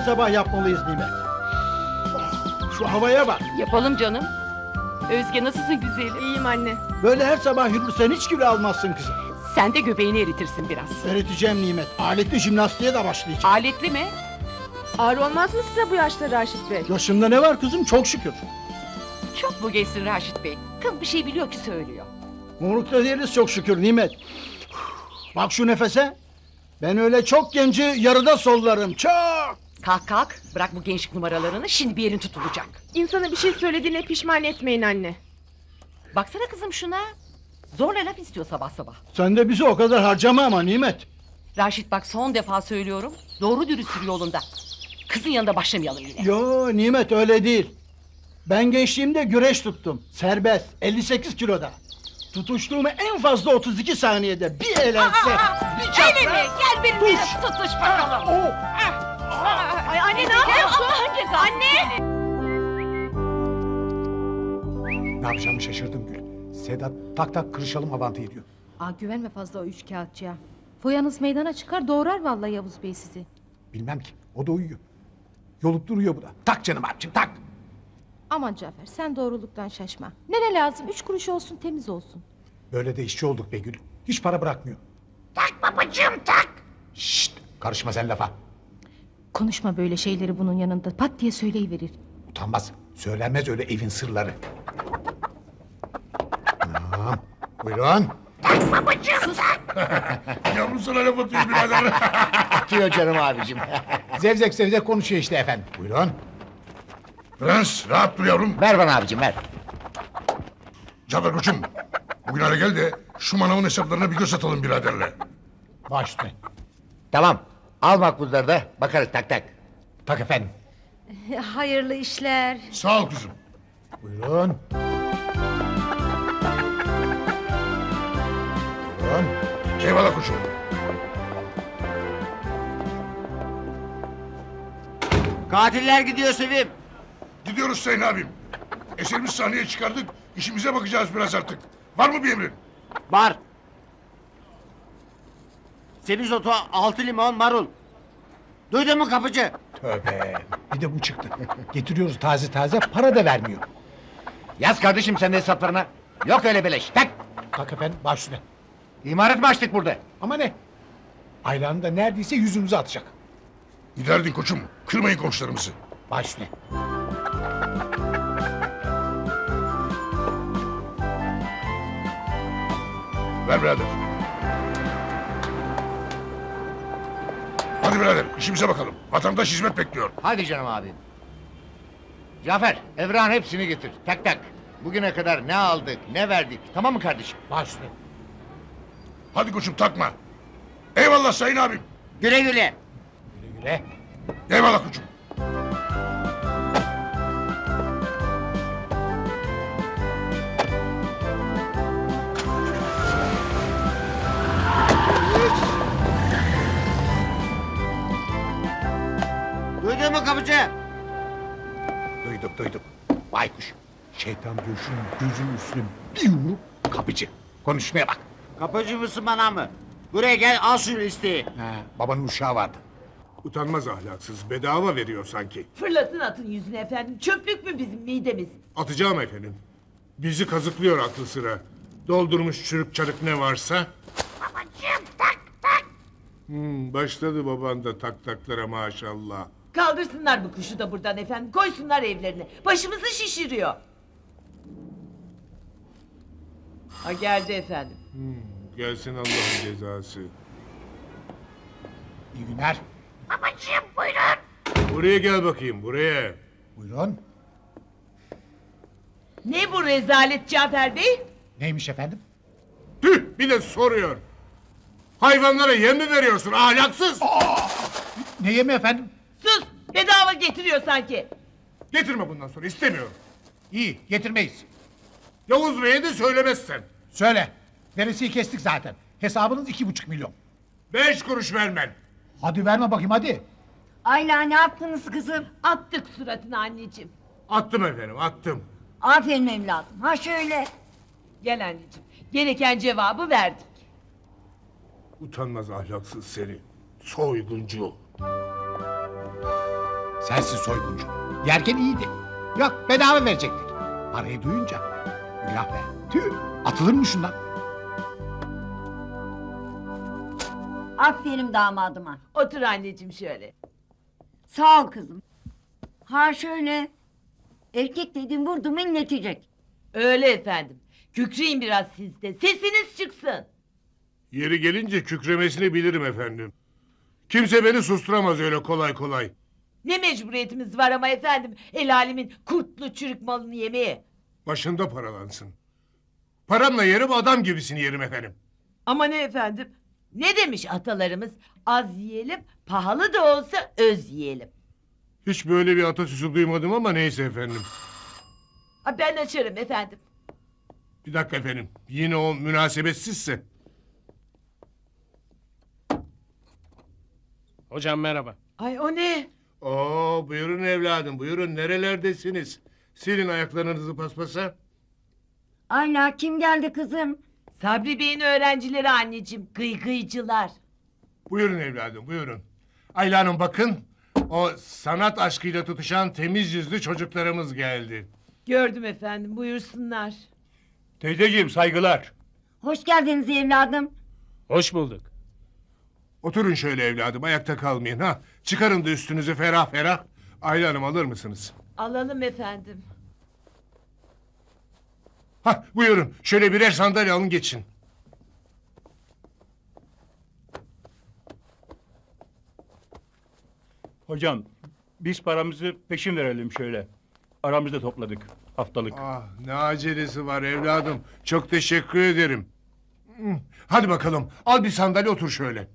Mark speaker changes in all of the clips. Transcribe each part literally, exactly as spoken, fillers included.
Speaker 1: sabah yapmalıyız Nimet. Oh, şu havaya bak.
Speaker 2: Yapalım canım. Özge nasılsın güzelim?
Speaker 3: İyiyim anne.
Speaker 1: Böyle her sabah yürürsen hiç kilo almazsın kızım.
Speaker 2: Sen de göbeğini eritirsin biraz.
Speaker 1: Öğreteceğim Nimet. Aletli jimnastiğe de başlayacağım.
Speaker 2: Aletli mi?
Speaker 3: Ağır olmaz mı size bu yaşta Raşit Bey?
Speaker 1: Yaşında ne var kızım? Çok şükür.
Speaker 2: Çok bu geçsin Raşit Bey. Kız bir şey biliyor ki söylüyor.
Speaker 1: Morukta değiliz çok şükür Nimet. Bak şu nefese. Ben öyle çok genci yarıda sollarım. Çok.
Speaker 2: Kalk kalk. Bırak bu gençlik numaralarını. Şimdi bir yerin tutulacak.
Speaker 3: İnsana bir şey söylediğine pişman etmeyin anne.
Speaker 2: Baksana kızım şuna. Zorla laf istiyor sabah sabah.
Speaker 1: Sen de bizi o kadar harcama ama Nimet.
Speaker 2: Raşit bak son defa söylüyorum. Doğru dürüst sür yolunda. Kızın yanında başlamayalım yine.
Speaker 1: Yo Nimet öyle değil. Ben gençliğimde güreş tuttum. Serbest. elli sekiz kiloda. Tutuştuğumu en fazla otuz iki saniyede bir eğlense. Bir çapraz.
Speaker 2: Öyle mi? Gel benimle
Speaker 1: Tuş.
Speaker 2: tutuş bakalım.
Speaker 1: Oh.
Speaker 3: Ay anne ne yapıyorsun?
Speaker 2: Anne!
Speaker 4: Ne yapacağımı şaşırdım Gül. Sedat tak tak kırışalım avantayı diyor.
Speaker 5: Aa, güvenme fazla o üç kağıtçıya. Foyanız meydana çıkar doğrar vallahi Yavuz Bey sizi.
Speaker 4: Bilmem ki o da uyuyor. Yolup duruyor bu da. Tak canım abicim tak.
Speaker 5: Aman Cafer sen doğruluktan şaşma. Ne ne lazım üç kuruş olsun temiz olsun.
Speaker 4: Böyle de işçi olduk be Gül. Hiç para bırakmıyor. Tak babacığım tak. Şşt karışma sen lafa.
Speaker 5: Konuşma böyle şeyleri bunun yanında pat diye söyleyiverir.
Speaker 4: Utanmaz. Söylenmez öyle evin sırları. Tamam. Buyurun.
Speaker 6: Yavrusuna laf atıyor birader.
Speaker 4: Atıyor canım abicim. zevzek zevzek konuşuyor işte efendim. Buyurun.
Speaker 6: Prens rahat dur yavrum.
Speaker 4: Ver bana abicim ver.
Speaker 6: Cafer koçum. Bugün hale gel de şu manavın hesaplarına bir göz atalım biraderle.
Speaker 4: Baş üstüne.
Speaker 7: Tamam. Al makbuzları da bakarız tak tak.
Speaker 4: Tak efendim.
Speaker 5: Hayırlı işler.
Speaker 6: Sağ ol kızım.
Speaker 4: Buyurun. Buyurun.
Speaker 6: Eyvallah koçum.
Speaker 7: Katiller gidiyor Sevim.
Speaker 6: Gidiyoruz Sayın abim. Eserimiz sahneye çıkardık. İşimize bakacağız biraz artık. Var mı bir emrin?
Speaker 7: Var. Semizotu altı limon marul. Duydun mu kapıcı?
Speaker 4: Tövbe. Bir de bu çıktı. Getiriyoruz taze taze para da vermiyor.
Speaker 7: Yaz kardeşim sen de hesaplarına. Yok öyle beleş. Tak.
Speaker 4: Tak efendim baş üstüne.
Speaker 7: İmaret mi açtık burada?
Speaker 4: Ama ne? Aylan'ı da neredeyse yüzümüze atacak.
Speaker 6: Giderdin koçum. Kırmayın komşularımızı.
Speaker 4: Baş üstüne.
Speaker 6: Ver birader. Hadi birader işimize bakalım. Vatandaş hizmet bekliyor.
Speaker 7: Hadi canım abim. Cafer, Evran hepsini getir. Tak tak. Bugüne kadar ne aldık, ne verdik. Tamam mı kardeşim?
Speaker 4: Baş üstüne.
Speaker 6: Hadi koçum takma. Eyvallah Sayın abim.
Speaker 7: Güle güle.
Speaker 4: Güle güle.
Speaker 6: Eyvallah koçum.
Speaker 7: Duydun mu kapıcı?
Speaker 4: Duyduk duyduk. Baykuş. Şeytan göğsünün gözünün üstüne bir yumruk kapıcı. Konuşmaya bak.
Speaker 7: Kapıcı mısın bana mı? Buraya gel al şu listeyi.
Speaker 4: Ha, babanın uşağı vardı.
Speaker 6: Utanmaz ahlaksız. Bedava veriyor sanki.
Speaker 8: Fırlatın atın yüzüne efendim. Çöplük mü bizim midemiz?
Speaker 6: Atacağım efendim. Bizi kazıklıyor aklı sıra. Doldurmuş çürük çarık ne varsa. Babacığım tak tak. Hmm, başladı baban da tak taklara maşallah.
Speaker 8: Kaldırsınlar bu kuşu da buradan efendim. Koysunlar evlerine. Başımızı şişiriyor. Ha geldi efendim.
Speaker 6: Gelsin Allah'ın cezası.
Speaker 4: İyi günler.
Speaker 6: Buraya gel bakayım buraya.
Speaker 4: Buyurun.
Speaker 8: Ne bu rezalet Cafer Bey?
Speaker 4: Neymiş efendim?
Speaker 6: Tüh bir de soruyor. Hayvanlara yem mi veriyorsun ahlaksız?
Speaker 4: Ne yemi efendim?
Speaker 8: Sus! Bedava getiriyor sanki.
Speaker 6: Getirme bundan sonra istemiyorum.
Speaker 4: İyi getirmeyiz.
Speaker 6: Yavuz Bey'e de söylemezsen.
Speaker 4: Söyle. Veresiyi kestik zaten. Hesabınız iki buçuk milyon.
Speaker 6: Beş kuruş vermen.
Speaker 4: Hadi verme bakayım hadi.
Speaker 9: Ayla ne yaptınız kızım?
Speaker 8: Attık suratına anneciğim.
Speaker 6: Attım efendim attım.
Speaker 9: Aferin evladım. Ha şöyle.
Speaker 8: Gel anneciğim. Gereken cevabı verdik.
Speaker 6: Utanmaz ahlaksız seni. Soyguncu.
Speaker 4: Sensin soyguncu. Yerken iyiydi. Yok bedava verecektik. Parayı duyunca. Günah be. Tüh. Atılır mı şundan?
Speaker 9: Aferin damadıma.
Speaker 8: Otur anneciğim şöyle.
Speaker 9: Sağ ol kızım. Ha şöyle. Erkek dediğin vurdu mu inletecek.
Speaker 8: Öyle efendim. Kükreyin biraz siz de. Sesiniz çıksın.
Speaker 6: Yeri gelince kükremesini bilirim efendim. Kimse beni susturamaz öyle kolay kolay.
Speaker 8: Ne mecburiyetimiz var ama efendim el alemin kurtlu çürük malını yemeye.
Speaker 6: Başında paralansın. Paramla yerim adam gibisini yerim efendim.
Speaker 8: Ama ne efendim? Ne demiş atalarımız? Az yiyelim, pahalı da olsa öz yiyelim.
Speaker 6: Hiç böyle bir atasözü duymadım ama neyse efendim.
Speaker 8: Ha, ben açarım efendim.
Speaker 6: Bir dakika efendim. Yine o münasebetsizse.
Speaker 10: Hocam merhaba.
Speaker 8: Ay o ne?
Speaker 6: Oo buyurun evladım buyurun nerelerdesiniz? Silin ayaklarınızı paspasa.
Speaker 9: Ayla kim geldi kızım?
Speaker 8: Sabri Bey'in öğrencileri anneciğim. Gıygıycılar.
Speaker 6: Buyurun evladım buyurun. Ayla Hanım bakın. O sanat aşkıyla tutuşan temiz yüzlü çocuklarımız geldi.
Speaker 8: Gördüm efendim buyursunlar.
Speaker 10: Teyzeciğim saygılar.
Speaker 9: Hoş geldiniz evladım.
Speaker 10: Hoş bulduk.
Speaker 6: Oturun şöyle evladım ayakta kalmayın ha. Çıkarın da üstünüzü ferah ferah. Ayla Hanım alır mısınız?
Speaker 8: Alalım efendim.
Speaker 6: Ha buyurun şöyle birer sandalye alın geçin.
Speaker 10: Hocam biz paramızı peşin verelim şöyle. Aramızda topladık haftalık.
Speaker 6: Ah ne acelesi var evladım. Çok teşekkür ederim. Hmm, hadi bakalım al bir sandalye otur şöyle.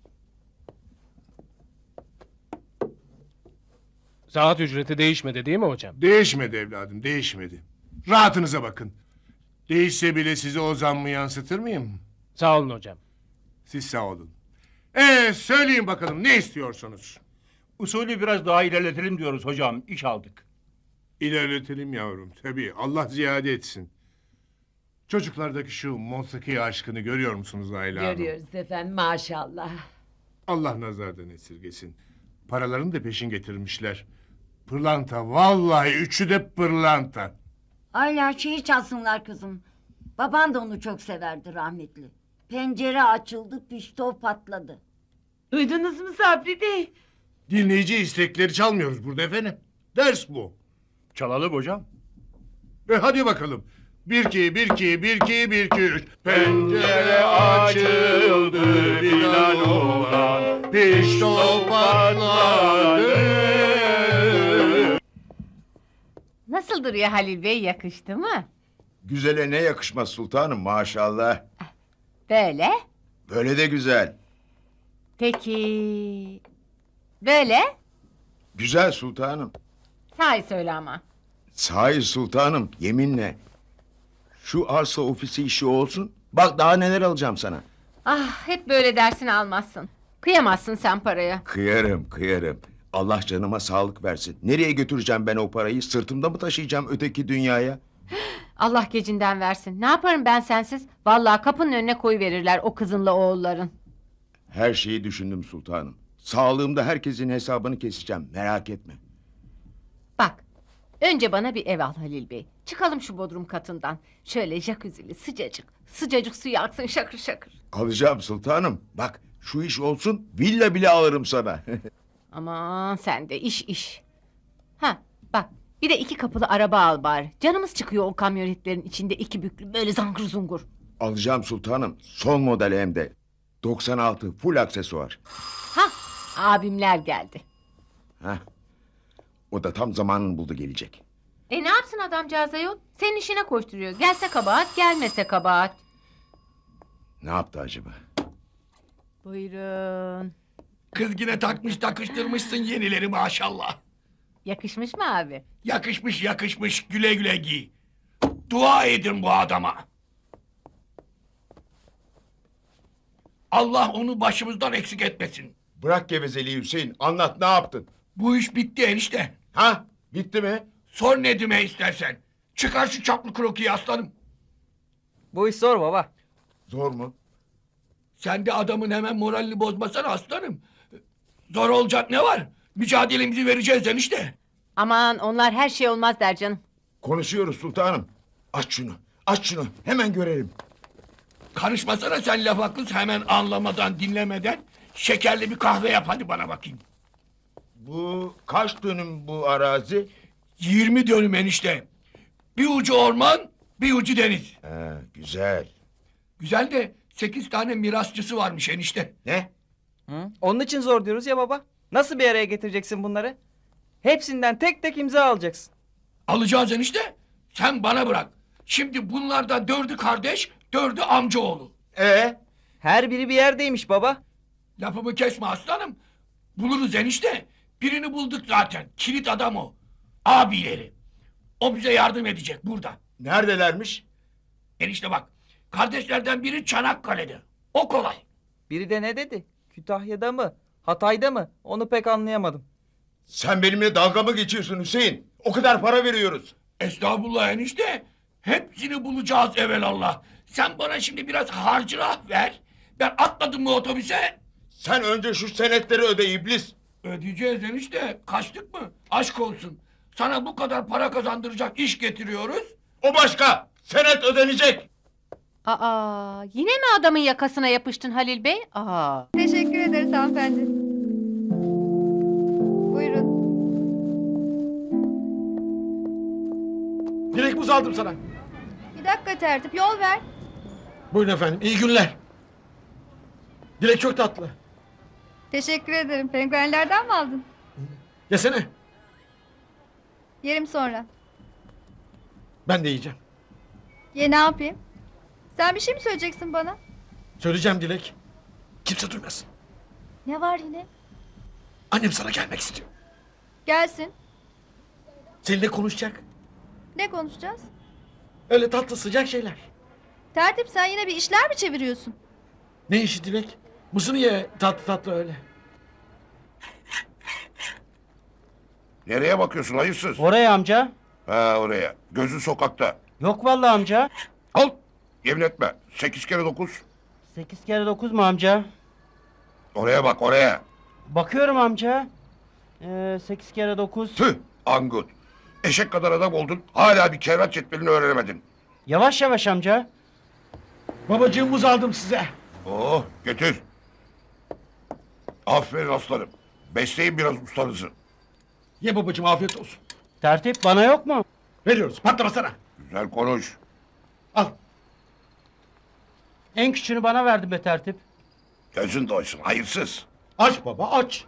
Speaker 10: Saat ücreti değişmedi değil mi hocam?
Speaker 6: Değişmedi evladım değişmedi. Rahatınıza bakın. Değişse bile size o zammı yansıtır mıyım?
Speaker 10: Sağ olun hocam.
Speaker 6: Siz sağ olun. Ee söyleyin bakalım ne istiyorsunuz?
Speaker 10: Usulü biraz daha ilerletelim diyoruz hocam. İş aldık.
Speaker 6: İlerletelim yavrum tabii Allah ziyade etsin. Çocuklardaki şu musiki aşkını görüyor musunuz Ayla Hanım?
Speaker 8: Görüyoruz efendim maşallah.
Speaker 6: Allah nazardan esirgesin. Paralarını da peşin getirmişler. Pırlanta vallahi üçü de pırlanta.
Speaker 9: Ayla şeyi çalsınlar kızım. Baban da onu çok severdi rahmetli. Pencere açıldı, pişto patladı.
Speaker 8: Duydunuz mu Sabri Bey?
Speaker 6: Dinleyici istekleri çalmıyoruz burada efendim. Ders bu.
Speaker 10: Çalalım hocam.
Speaker 6: E hadi bakalım. Bir iki, bir iki, bir iki, bir iki, üç. Pencere açıldı Bilal olan, pişto patladı.
Speaker 5: Nasıl duruyor Halil Bey, yakıştı mı?
Speaker 11: Güzele ne yakışmaz sultanım maşallah.
Speaker 5: Böyle.
Speaker 11: Böyle de güzel.
Speaker 5: Peki. Böyle.
Speaker 11: Güzel sultanım.
Speaker 5: Sahi söyle ama.
Speaker 11: Sahi sultanım yeminle. Şu arsa ofisi işi olsun. Bak daha neler alacağım sana.
Speaker 5: Ah, hep böyle dersin almazsın. Kıyamazsın sen paraya.
Speaker 11: Kıyarım kıyarım. Allah canıma sağlık versin. Nereye götüreceğim ben o parayı? Sırtımda mı taşıyacağım öteki dünyaya?
Speaker 5: Allah gecinden versin. Ne yaparım ben sensiz? Vallahi kapının önüne koyuverirler o kızınla oğulların.
Speaker 11: Her şeyi düşündüm sultanım. Sağlığımda herkesin hesabını keseceğim. Merak etme.
Speaker 5: Bak, önce bana bir ev al Halil Bey. Çıkalım şu bodrum katından. Şöyle jacuzzi'li sıcacık. Sıcacık suyu aksın şakır şakır.
Speaker 11: Alacağım sultanım. Bak şu iş olsun villa bile alırım sana.
Speaker 5: Aman sen de iş iş. Ha bak, bir de iki kapılı araba al bari. Canımız çıkıyor o kamyonetlerin içinde iki büklü böyle zangır zungur.
Speaker 11: Alacağım sultanım. Son model hem de. doksan altı full aksesuar.
Speaker 5: Ha, abimler geldi.
Speaker 11: Heh. O da tam zamanını buldu gelecek.
Speaker 5: E ne yapsın adamcağız ayol? Senin işine koşturuyor. Gelse kabahat, gelmese kabahat.
Speaker 11: Ne yaptı acaba?
Speaker 5: Buyurun.
Speaker 4: Kız yine takmış takıştırmışsın yenileri maşallah.
Speaker 5: Yakışmış mı abi?
Speaker 4: Yakışmış yakışmış güle güle giy. Dua edin bu adama. Allah onu başımızdan eksik etmesin.
Speaker 11: Bırak gevezeliği Hüseyin. Anlat ne yaptın?
Speaker 4: Bu iş bitti enişte.
Speaker 11: Ha? Bitti mi?
Speaker 4: Sor Nedim'e istersen. Çıkar şu çaplı krokiyi aslanım.
Speaker 10: Bu iş zor baba.
Speaker 11: Zor mu?
Speaker 4: Sen de adamın hemen moralini bozmasana aslanım. Zor olacak ne var? Mücadelemizi vereceğiz enişte.
Speaker 5: Aman onlar her şey olmaz der canım.
Speaker 11: Konuşuyoruz sultanım. Aç şunu. Aç şunu. Hemen görelim.
Speaker 4: Karışmasana sen laf haklısın hemen anlamadan dinlemeden. Şekerli bir kahve yap hadi bana bakayım.
Speaker 11: Bu kaç dönüm bu arazi?
Speaker 4: Yirmi dönüm enişte. Bir ucu orman, bir ucu deniz.
Speaker 11: He, güzel.
Speaker 4: Güzel de sekiz tane mirasçısı varmış enişte.
Speaker 11: Ne?
Speaker 12: Hı? Onun için zor diyoruz ya baba. Nasıl bir araya getireceksin bunları? Hepsinden tek tek imza alacaksın.
Speaker 4: Alacağız enişte. Sen bana bırak. Şimdi bunlardan dördü kardeş, dördü amcaoğlu.
Speaker 11: Ee?
Speaker 12: Her biri bir yerdeymiş baba.
Speaker 4: Lafımı kesme aslanım. Buluruz enişte. Birini bulduk zaten. Kilit adam o. Abileri. O bize yardım edecek burada.
Speaker 11: Neredelermiş?
Speaker 4: Enişte bak. Kardeşlerden biri Çanakkale'de. O kolay.
Speaker 12: Biri de ne dedi? Kütahya'da mı? Hatay'da mı? Onu pek anlayamadım.
Speaker 11: Sen benimle dalga mı geçiyorsun Hüseyin? O kadar para veriyoruz.
Speaker 4: Estağfurullah enişte. Hepsini bulacağız evelallah. Sen bana şimdi biraz harcırah ver. Ben atladım mı otobüse?
Speaker 11: Sen önce şu senetleri öde iblis.
Speaker 4: Ödeyeceğiz enişte. Kaçtık mı? Aşk olsun. Sana bu kadar para kazandıracak iş getiriyoruz.
Speaker 11: O başka. Senet ödenecek.
Speaker 5: Aa, yine mi adamın yakasına yapıştın Halil Bey? Aa.
Speaker 3: Teşekkür ederiz hanımefendi. Buyurun.
Speaker 1: Direkt buz aldım sana.
Speaker 3: Bir dakika tertip yol ver.
Speaker 1: Buyurun efendim iyi günler. Dilek çok tatlı.
Speaker 3: Teşekkür ederim. Penguenlerden mi aldın?
Speaker 1: Yesene.
Speaker 3: Yerim sonra.
Speaker 1: Ben de yiyeceğim.
Speaker 3: Ye ne yapayım? Sen bir şey mi söyleyeceksin bana?
Speaker 1: Söyleyeceğim Dilek. Kimse duymasın.
Speaker 3: Ne var yine?
Speaker 1: Annem sana gelmek istiyor.
Speaker 3: Gelsin.
Speaker 1: Seninle konuşacak.
Speaker 3: Ne konuşacağız?
Speaker 1: Öyle tatlı sıcak şeyler.
Speaker 3: Tertip sen yine bir işler mi çeviriyorsun?
Speaker 1: Ne işi Dilek? Mısırı ye tatlı tatlı öyle.
Speaker 6: Nereye bakıyorsun hayırsız?
Speaker 12: Oraya amca.
Speaker 6: Ha oraya. Gözün sokakta.
Speaker 12: Yok vallahi amca.
Speaker 6: Al. Yemin etme. Sekiz kere dokuz.
Speaker 12: Sekiz kere dokuz mu amca?
Speaker 6: Oraya bak oraya.
Speaker 12: Bakıyorum amca. Ee, sekiz kere dokuz.
Speaker 6: Tüh angut. Eşek kadar adam oldun. Hala bir kerrat cetvelini öğrenemedin.
Speaker 12: Yavaş yavaş amca.
Speaker 1: Babacığım buz aldım size.
Speaker 6: Oh getir. Aferin aslanım. Besleyin biraz ustanızı.
Speaker 1: Ye babacığım afiyet olsun.
Speaker 12: Tertip bana yok mu?
Speaker 1: Veriyoruz patlamasana.
Speaker 6: Güzel konuş.
Speaker 1: Al.
Speaker 12: En küçüğünü bana verdin be tertip.
Speaker 6: Gözün doysun hayırsız.
Speaker 1: Aç baba aç.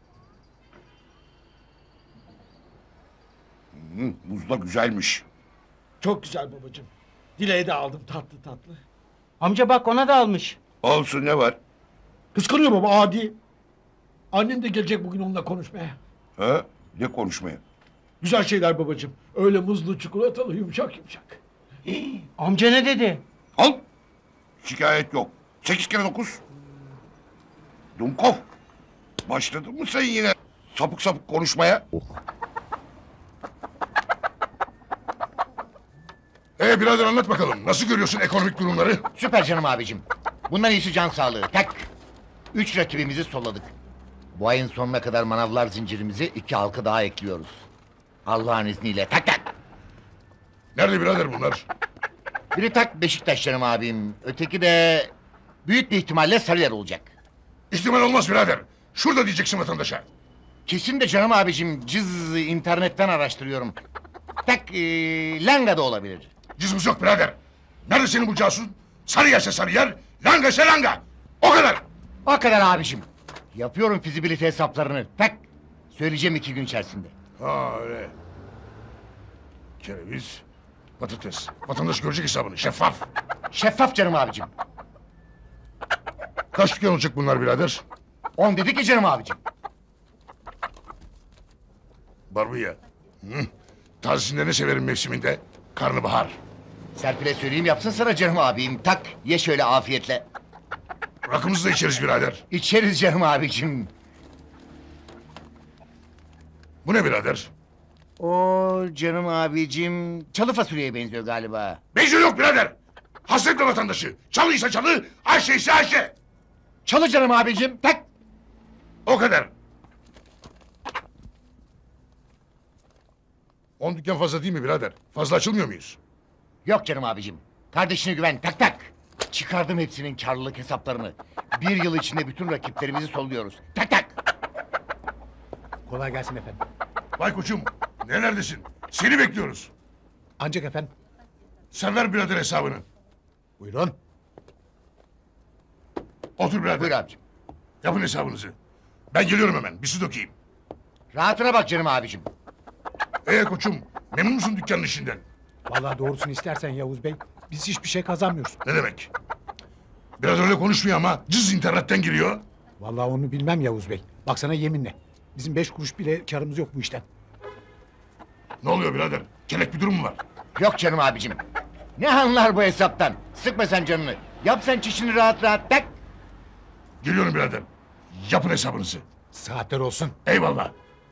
Speaker 6: Hı, buz da güzelmiş.
Speaker 1: Çok güzel babacığım. Dileği de aldım tatlı tatlı.
Speaker 12: Amca bak ona da almış.
Speaker 6: Olsun ne var?
Speaker 1: Kıskanıyor baba adi. Annem de gelecek bugün onunla konuşmaya.
Speaker 6: Ha? Ne konuşmaya?
Speaker 1: Güzel şeyler babacığım. Öyle muzlu çikolatalı yumuşak yumuşak.
Speaker 12: Amca ne dedi?
Speaker 6: Al. Şikayet yok. Sekiz kere dokuz. Dumkov. Başladın mı sen yine sapık sapık konuşmaya?
Speaker 13: Ee birader anlat bakalım. Nasıl görüyorsun ekonomik durumları?
Speaker 7: Süper canım abicim. Bundan iyisi can sağlığı. Tak. Üç rakibimizi solladık. Bu ayın sonuna kadar manavlar zincirimizi iki halka daha ekliyoruz. Allah'ın izniyle. Tak tak.
Speaker 13: Nerede birader bunlar?
Speaker 7: Biri tak Beşiktaş canım abim. Öteki de büyük bir ihtimalle Sarıyer olacak.
Speaker 13: İhtimal olmaz birader. Şurada diyeceksin vatandaşa.
Speaker 7: Kesin de canım abicim cız internetten araştırıyorum. Tak ee, Langa da olabilir.
Speaker 13: Cızmız yok birader. Nerede senin bu casus? Sarıyerse Sarıyer, Langa ise Langa. O kadar.
Speaker 7: O kadar abicim. Yapıyorum fizibilite hesaplarını. Tak. Söyleyeceğim iki gün içerisinde.
Speaker 13: Ha öyle. Kereviz, patates. Vatandaş görecek hesabını. Şeffaf.
Speaker 7: Şeffaf canım abicim.
Speaker 13: Kaç dükkan olacak bunlar birader?
Speaker 7: On dedik ki canım abicim.
Speaker 13: Barbunya. Hı. Tazesinde ne severim mevsiminde? Karnabahar.
Speaker 7: Serpil'e söyleyeyim yapsın sana canım abim. Tak ye şöyle afiyetle.
Speaker 13: Rakımızı da içeriz birader.
Speaker 7: İçeriz canım abicim.
Speaker 13: Bu ne birader?
Speaker 7: O canım abicim çalı fasulyeye benziyor galiba.
Speaker 13: Benziyor yok birader. Hasretle vatandaşı. Çalıysa çalı, Ayşe ise Ayşe.
Speaker 7: Çalı canım abicim. Tak.
Speaker 13: O kadar. On dükkan fazla değil mi birader? Fazla açılmıyor muyuz?
Speaker 7: Yok canım abicim. Kardeşine güven tak tak. Çıkardım hepsinin karlılık hesaplarını. Bir yıl içinde bütün rakiplerimizi solluyoruz. Tak tak.
Speaker 14: Kolay gelsin efendim.
Speaker 13: Vay koçum, nerelerdesin? Seni bekliyoruz.
Speaker 14: Ancak efendim.
Speaker 13: Sen ver birader hesabını.
Speaker 14: Buyurun.
Speaker 13: Otur birader.
Speaker 7: Buyur abicim.
Speaker 13: Yapın hesabınızı. Ben geliyorum hemen, bir su dökeyim.
Speaker 7: Rahatına bak canım abicim.
Speaker 13: Ee koçum, memnun musun dükkanın işinden?
Speaker 14: Vallahi doğrusunu istersen Yavuz Bey, biz hiçbir şey kazanmıyoruz.
Speaker 13: Ne demek? Biraz öyle konuşmuyor ama cız internetten giriyor.
Speaker 14: Vallahi onu bilmem Yavuz Bey. Baksana yeminle. Bizim beş kuruş bile karımız yok bu işten.
Speaker 13: Ne oluyor birader? Kelek bir durum mu var?
Speaker 7: Yok canım abicim. Ne anlar bu hesaptan? Sıkma sen canını. Yap sen çişini rahat rahat tak.
Speaker 13: Geliyorum birader. Yapın hesabınızı.
Speaker 14: Saatler olsun.
Speaker 13: Eyvallah.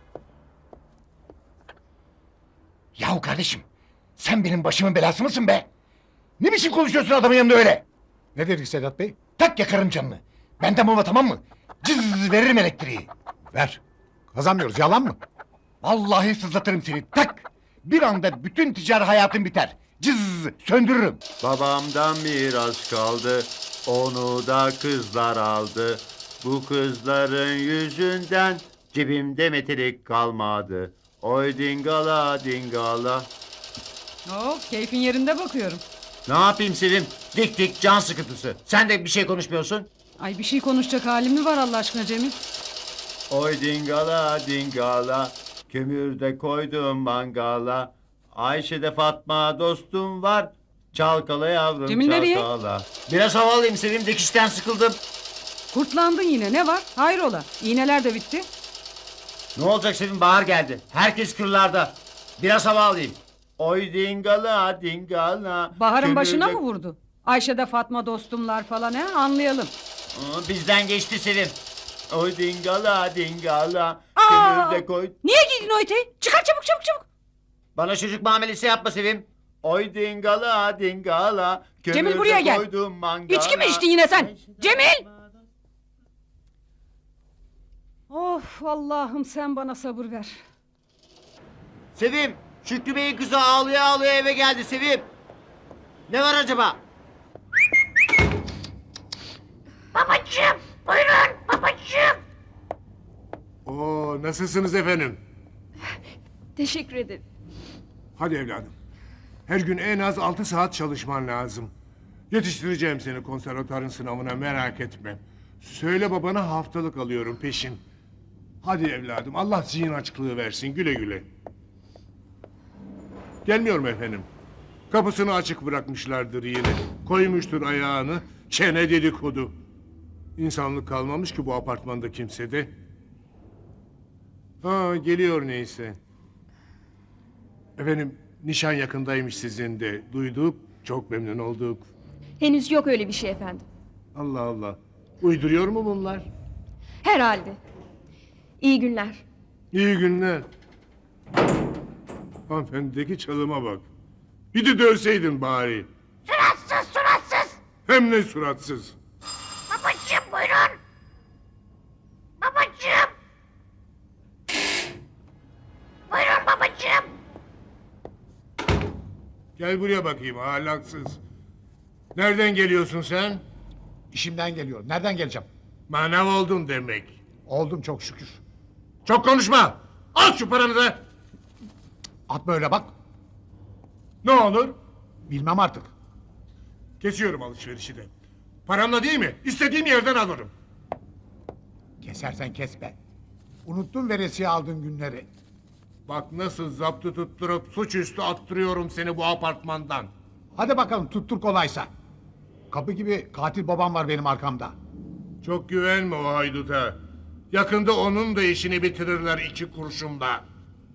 Speaker 7: Yahu kardeşim, sen benim başımın belası mısın be? Ne biçim konuşuyorsun adamın yanında öyle?
Speaker 14: Ne dedik Sedat Bey?
Speaker 7: Tak yakarım canını. Benden bulma tamam mı? Cız veririm elektriği.
Speaker 14: Ver. Kazanmıyoruz, yalan mı?
Speaker 7: Vallahi sızlatırım seni tak. Bir anda bütün ticari hayatın biter. Cız söndürürüm.
Speaker 15: Babamdan miras kaldı, onu da kızlar aldı. Bu kızların yüzünden cebimde metelik kalmadı. Oy dingala dingala.
Speaker 16: Oo, keyfin yerinde bakıyorum.
Speaker 15: Ne yapayım Sevim? Dik dik can sıkıntısı. Sen de bir şey konuşmuyorsun.
Speaker 16: Ay bir şey konuşacak halim mi var Allah aşkına Cemil?
Speaker 15: Oy dingala dingala. Kömürde koydum mangala. Ayşe'de Fatma dostum var. Çalkala yavrum
Speaker 16: Cemil nereye?
Speaker 15: çalkala. Biraz hava alayım Sevim, dikişten sıkıldım.
Speaker 16: Kurtlandın yine ne var? Hayrola? İğneler de bitti.
Speaker 15: Ne olacak Sevim, bahar geldi. Herkes kırlarda. Biraz hava alayım. Oy dingala dingala.
Speaker 16: Baharın
Speaker 15: Kömürde-
Speaker 16: başına mı vurdu? Ayşe'de Fatma dostumlar falan he anlayalım.
Speaker 15: Aa, bizden geçti Sevim. Oy dingala dingala.
Speaker 16: Aa!
Speaker 15: Kömürde koy.
Speaker 16: Niye giydin o eteği? Çıkar çabuk çabuk çabuk.
Speaker 15: Bana çocuk muamelesi yapma Sevim. Oy dingala dingala.
Speaker 16: Cemil
Speaker 15: Kömürde
Speaker 16: buraya gel.
Speaker 15: koydum mangala.
Speaker 16: İçki mi içtin yine sen? Cemil! Of Allah'ım sen bana sabır ver.
Speaker 15: Sevim, Şükrü Bey'in kızı ağlaya ağlaya eve geldi Sevim. Ne var acaba?
Speaker 6: Babacığım, buyurun babacığım. Oo, nasılsınız efendim?
Speaker 3: Teşekkür ederim.
Speaker 6: Hadi evladım. Her gün en az altı saat çalışman lazım. Yetiştireceğim seni konservatuarın sınavına, merak etme. Söyle babana haftalık alıyorum peşin. Hadi evladım, Allah zihin açıklığı versin, güle güle. Gelmiyorum efendim. Kapısını açık bırakmışlardır yine. Koymuştur ayağını, çene dedikodu. İnsanlık kalmamış ki bu apartmanda kimsede. Ha, geliyor neyse. Efendim, nişan yakındaymış sizin de. Duyduk, çok memnun olduk.
Speaker 3: Henüz yok öyle bir şey efendim.
Speaker 6: Allah Allah. Uyduruyor mu bunlar?
Speaker 3: Herhalde. İyi günler.
Speaker 6: İyi günler. Hanımefendideki çalıma bak. Bir de dövseydin bari. Suratsız, suratsız. Hem ne suratsız. Babacığım buyurun. Babacığım. Buyurun babacığım. Gel buraya bakayım ahlaksız. Nereden geliyorsun sen?
Speaker 14: İşimden geliyorum. Nereden geleceğim?
Speaker 6: Manav oldun demek.
Speaker 14: Oldum çok şükür.
Speaker 6: Çok konuşma. Al şu paranı da.
Speaker 14: Atma öyle bak.
Speaker 6: Ne olur?
Speaker 14: Bilmem artık.
Speaker 6: Kesiyorum alışverişi de. Paramla değil mi? İstediğim yerden alırım.
Speaker 14: Kesersen kes be. Unuttun veresiye aldığın günleri.
Speaker 6: Bak nasıl zaptı tutturup suçüstü attırıyorum seni bu apartmandan.
Speaker 14: Hadi bakalım tuttur kolaysa. Kapı gibi katil babam var benim arkamda.
Speaker 6: Çok güvenme o hayduta. Yakında onun da işini bitirirler iki kurşunla.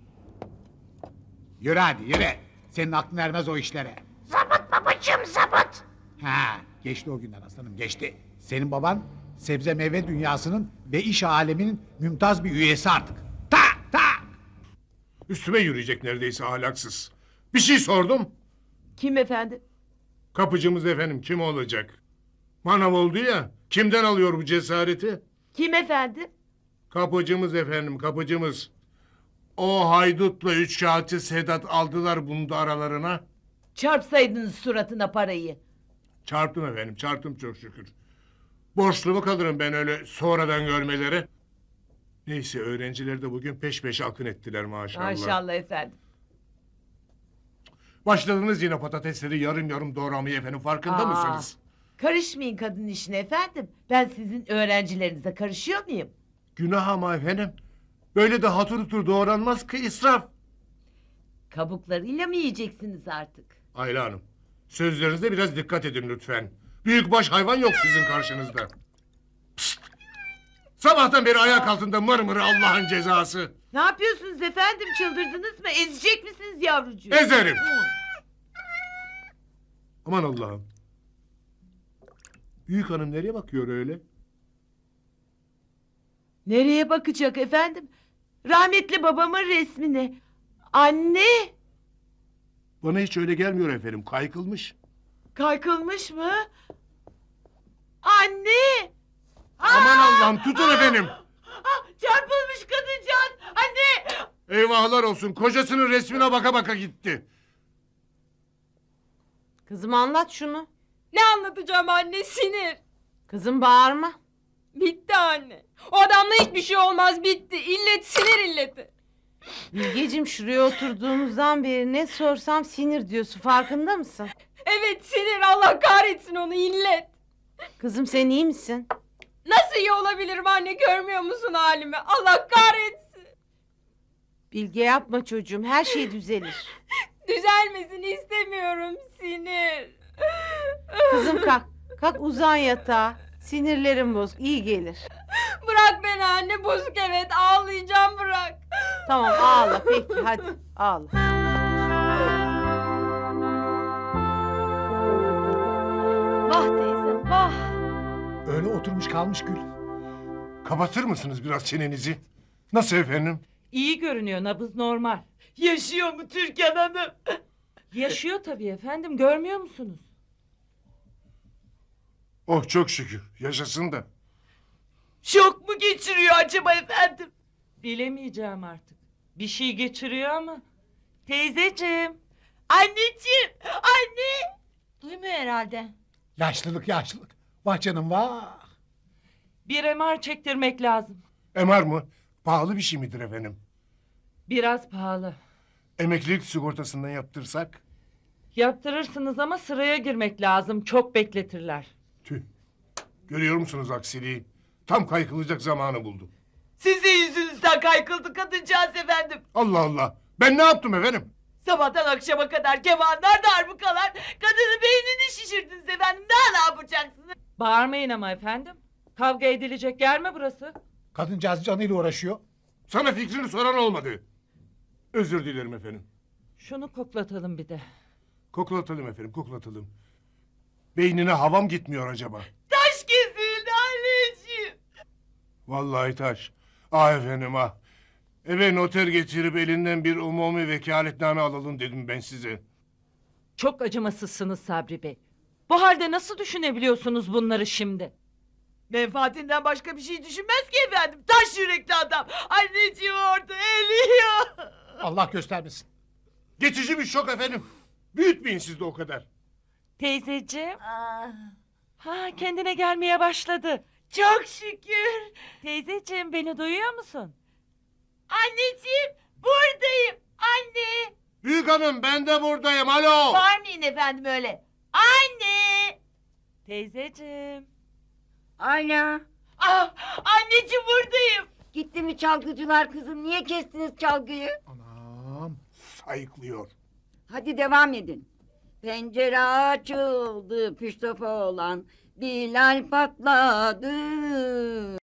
Speaker 14: Yürü hadi yürü. Senin aklın ermez o işlere.
Speaker 6: Zabıt babacığım zabıt.
Speaker 14: Ha, geçti o günler aslanım geçti. Senin baban sebze meyve dünyasının ve iş aleminin mümtaz bir üyesi artık.
Speaker 6: Üstüme yürüyecek neredeyse ahlaksız. Bir şey sordum.
Speaker 8: Kim efendim?
Speaker 6: Kapıcımız efendim kim olacak? Manav oldu ya. Kimden alıyor bu cesareti?
Speaker 8: Kim efendim?
Speaker 6: Kapıcımız efendim kapıcımız. O haydutla üç kağıtçı Sedat aldılar bunu da aralarına.
Speaker 8: Çarpsaydınız suratına parayı.
Speaker 6: Çarptım efendim, çarptım çok şükür. Borçlu mu kalırım ben öyle sonradan görmeleri? Neyse öğrenciler de bugün peş peşe akın ettiler maşallah.
Speaker 8: Maşallah efendim.
Speaker 6: Başladınız yine patatesleri yarım yarım doğramayı efendim, farkında
Speaker 8: Aa,
Speaker 6: mısınız?
Speaker 8: Karışmayın kadın işine efendim. Ben sizin öğrencilerinize karışıyor muyum?
Speaker 6: Günah ama efendim. Böyle de hatır hutur doğranmaz ki, israf.
Speaker 8: Kabuklarıyla mı yiyeceksiniz artık?
Speaker 6: Ayla Hanım, sözlerinize biraz dikkat edin lütfen. Büyükbaş hayvan yok sizin karşınızda. Pst! Sabahtan beri ayak altında mır mır Allah'ın cezası.
Speaker 8: Ne yapıyorsunuz efendim, çıldırdınız mı? Ezecek misiniz yavrucuğu?
Speaker 6: Ezerim. Aman Allah'ım. Büyük hanım nereye bakıyor öyle?
Speaker 8: Nereye bakacak efendim? Rahmetli babamın resmine. Anne!
Speaker 6: Bana hiç öyle gelmiyor efendim, kaykılmış.
Speaker 8: Kaykılmış mı? Anne!
Speaker 6: Aman Allah'ım, tutun efendim.
Speaker 8: Ah, çarpılmış kadıncağız! Anne!
Speaker 6: Eyvahlar olsun, kocasının resmine baka baka gitti.
Speaker 5: Kızım anlat şunu.
Speaker 17: Ne anlatacağım anne, sinir.
Speaker 5: Kızım bağırma.
Speaker 17: Bitti anne. O adamla hiçbir şey olmaz, bitti. İllet sinir illeti.
Speaker 5: Bilgeciğim şuraya oturduğumuzdan beri ne sorsam sinir diyorsun, farkında mısın?
Speaker 17: Evet sinir, Allah kahretsin onu, illet.
Speaker 5: Kızım sen iyi misin?
Speaker 17: Nasıl iyi olabilirim anne, görmüyor musun halimi? Allah kahretsin.
Speaker 5: Bilge yapma çocuğum, her şey düzelir.
Speaker 17: Düzelmesini istemiyorum, sinir.
Speaker 5: Kızım kalk, kalk uzan yatağa. Sinirlerim bozuk, iyi gelir.
Speaker 17: Bırak beni anne, bozuk evet, ağlayacağım, bırak.
Speaker 5: Tamam ağla peki, hadi ağla.
Speaker 3: Vah teyzem vah.
Speaker 14: Öyle oturmuş kalmış Gül.
Speaker 6: Kapatır mısınız biraz çenenizi? Nasıl efendim?
Speaker 8: İyi görünüyor, nabız normal. Yaşıyor mu Türkan Hanım? Yaşıyor tabii efendim, görmüyor musunuz?
Speaker 6: Oh çok şükür, yaşasın da.
Speaker 8: Şok mu geçiriyor acaba efendim? Bilemeyeceğim artık. Bir şey geçiriyor ama. Teyzeciğim. Anneciğim. Anne.
Speaker 3: Duymuyor herhalde.
Speaker 14: Yaşlılık yaşlılık. Vah canım vah.
Speaker 8: Bir M R çektirmek lazım.
Speaker 6: M R mı? Pahalı bir şey midir efendim?
Speaker 8: Biraz pahalı.
Speaker 6: Emeklilik sigortasından yaptırsak?
Speaker 8: Yaptırırsınız ama sıraya girmek lazım. Çok bekletirler.
Speaker 6: Tüh. Görüyor musunuz aksiliği? Tam kaykılacak zamanı buldu.
Speaker 8: Sizin yüzünüzden kaykıldı kadıncağız efendim.
Speaker 6: Allah Allah. Ben ne yaptım efendim?
Speaker 8: Sabahtan akşama kadar kemanlar, darbukalar. Kadının beynini şişirdiniz efendim. Daha ne yapacaksınız? Bağırmayın ama efendim. Kavga edilecek yer mi burası?
Speaker 14: Kadıncağız canıyla uğraşıyor.
Speaker 6: Sana fikrini soran olmadı. Özür dilerim efendim.
Speaker 8: Şunu koklatalım bir de.
Speaker 6: Koklatalım efendim, koklatalım. Beynine havam gitmiyor acaba?
Speaker 8: Taş kesildi anneciğim.
Speaker 6: Vallahi taş. Ah efendim ah. Eve noter getirip elinden bir umumi vekaletname alalım dedim ben size.
Speaker 8: Çok acımasızsınız Sabri Bey. Bu halde nasıl düşünebiliyorsunuz bunları şimdi? Menfaatinden başka bir şey düşünmez ki efendim. Taş yürekli adam. Anneciğim orada eliyor.
Speaker 14: Allah göstermesin.
Speaker 6: Geçici bir şok efendim. Büyütmeyin siz de o kadar.
Speaker 8: Teyzeciğim. Ha, kendine gelmeye başladı. Çok şükür. Teyzeciğim beni duyuyor musun? Anneciğim buradayım. Anne.
Speaker 6: Büyük hanım ben de buradayım alo.
Speaker 8: Bağırmayın efendim öyle. Anne. Teyzeciğim.
Speaker 9: Ayla.
Speaker 8: Ah, anneciğim buradayım.
Speaker 9: Gitti mi çalgıcılar kızım? Niye kestiniz çalgıyı?
Speaker 14: Anam.
Speaker 6: Sayıklıyor.
Speaker 9: Hadi devam edin. Pencere açıldı püştofa olan Bilal patladı.